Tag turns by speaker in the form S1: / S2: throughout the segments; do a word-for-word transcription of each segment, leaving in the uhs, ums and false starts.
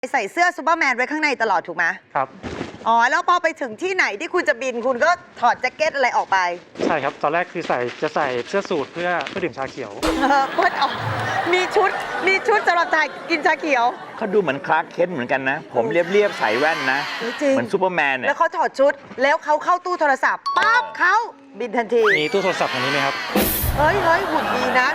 S1: ใส่เสื้อซูเปอร์แมนไว้ข้างในตลอดถูกไหม
S2: ครับ
S1: อ๋อแล้วพอไปถึงที่ไหนที่คุณจะบินคุณก็ถอดแจ็คเก็ตอะไรออกไป
S2: ใช่ครับตอนแรกคือใส่จะใส่เสื้อสูทเพื่อเพื่อดื่มชาเขียว
S1: เออเพื่อออกมีชุดมีชุดสำหรับถ่ายกินชาเขียว
S3: เขาดูเหมือนคลาร์กเคนต์เหมือนกันนะ ผมเรียบๆใส่แว่นนะเหมือนซูเปอร์แมนเนี่ย
S1: แล้วเขาถอดชุดแล้วเขาเข้าตู้โทรศัพท์ปั๊บเขาบินทันที
S2: มีตู้โทรศัพท์อันนี้ไหมครับ
S1: เฮ้ยเฮ้ยหุ่นดีนะ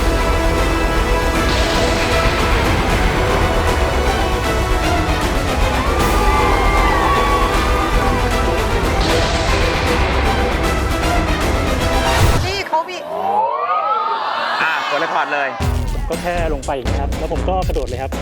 S3: อ่ะกดเรคคอร์ดเลย
S2: ผมก็แค่ลงไปอย่างนี้ครับแล้วผมก็กระโดดเลยครับ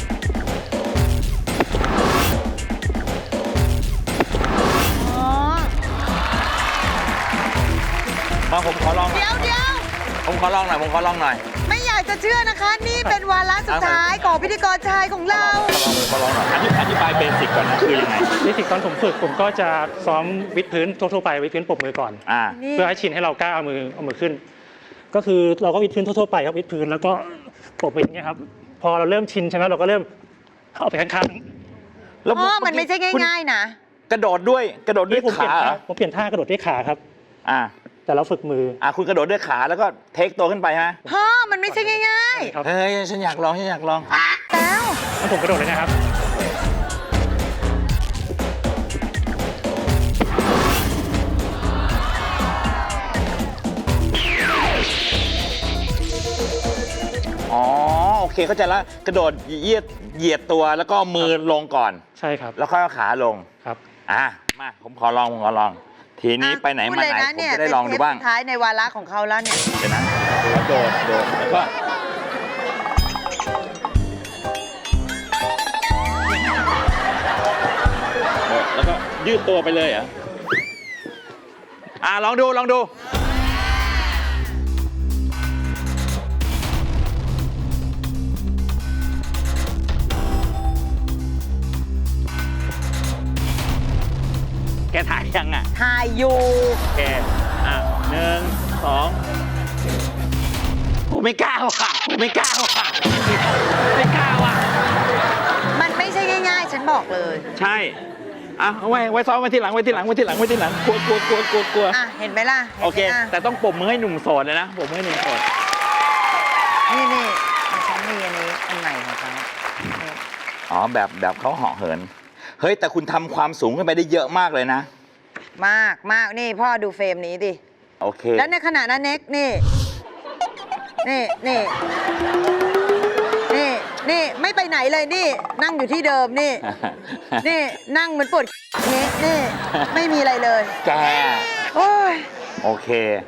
S3: มาผมขอลองหน่อย
S1: เดี๋ยวเดี๋ยว
S3: ผมขอลองหน่อยผมขอลองหน่อย
S1: ไม่อยากจะเชื่อนะคะ นี่เป็นวาระสุดท้ายของพิธีกรชายของเรา
S3: ขอลองหน่อยอธิบายเบสิกก่อนนะคือยังไง
S2: เบสิกตอนผมฝึกผมก็จะซ้อมวิดพื้นทั่วๆไปวิดพื้นปรบมือก่อนเพื่อให้ชินให้เรากล้าเอามือเอามือขึ้นก็คือเราก็วิดพื้นทั่วๆไปครับวิดพื้นแล้วก็ปรบไปอย่างเงี้ยครับพอเราเริ่มชินใช่ไหมเราก็เริ่มเอาไปข้าง
S1: ๆแล้วมันไม่ใช่ง่ายๆนะ
S3: กระโดดด้วยกระโดดด้วยขา
S2: ผมเปลี่ยนท่ากระโดดด้วยขาครับ
S3: อ่า
S2: แต่เราฝึกมือ
S3: อ่ะคุณกระโดดด้วยขาแล้วก็เทคตัวขึ้นไปฮะ
S1: พ่อมันไม่ใช่ง่าย
S3: ๆเฮ้ยฉันอยากลองฉันอยากลอง
S1: แล้ว
S2: งั้นผมกระโดดเลยนะครับ
S3: อ๋อโอเคเข้าใจแล้วกระโดดเหยียดเหยียดตัวแล้วก็มือลงก่อน
S2: ใช่ครับ
S3: แล้วค่อยเอาขาลง
S2: ครับ
S3: อ่ะมาผมขอลองผมขอลองทีนี้ไปไหนมาไหนผมจะได้ลองดูบ้าง
S1: ท้ายในวาระของเขาแล้วเนี่ย
S3: เดี๋ยวนะโดดโดดแล้วก็แล้วก็ยืดตัวไปเลยเหรออ่ะลองดูลองดูแกถ่ายยังอ่ะ
S1: ถ่ายอยู่
S3: โอเคอ่ะหนึ่งสองผมไม่กล้าว่ะผมไม่กล้าว่ะไม่กล้าว่ะ
S1: มันไม่ใช่ง่ายๆฉันบอกเลย
S3: ใช่อ่ะเอาไว้ไว้ซ้อมไว้ที่หลังไว้ที่หลังไว้ที่หลังไว้ที่หลังกลัวกลัวกลัวกลัวกลัว
S1: อ่ะเห็นไหมล่ะ
S3: โอเคแต่ต้องปรบมือให้หนุ่มโสดเลยนะปรบมือให้หนุ่มโสด
S1: นี่นี่ฉันมีอันนี้อันใหม่ของเขา
S3: อ๋อแบบแบบเขาเหาะเหินเฮ้ยแต่คุณทำความสูงขึ้นไปได้เยอะมากเลยนะ
S1: มากมากนี่พ่อดูเฟรมนี้ดิ
S3: โอเค
S1: แล้วในขณะนั้นเน็กนี่นี่นี่นี่นี่ไม่ไปไหนเลยนี่นั่งอยู่ที่เดิมนี่นี่นั่งเหมือนปวดนี่นี่ไม่มีอะไรเลย
S3: แก
S1: โอ้ย
S3: โอเค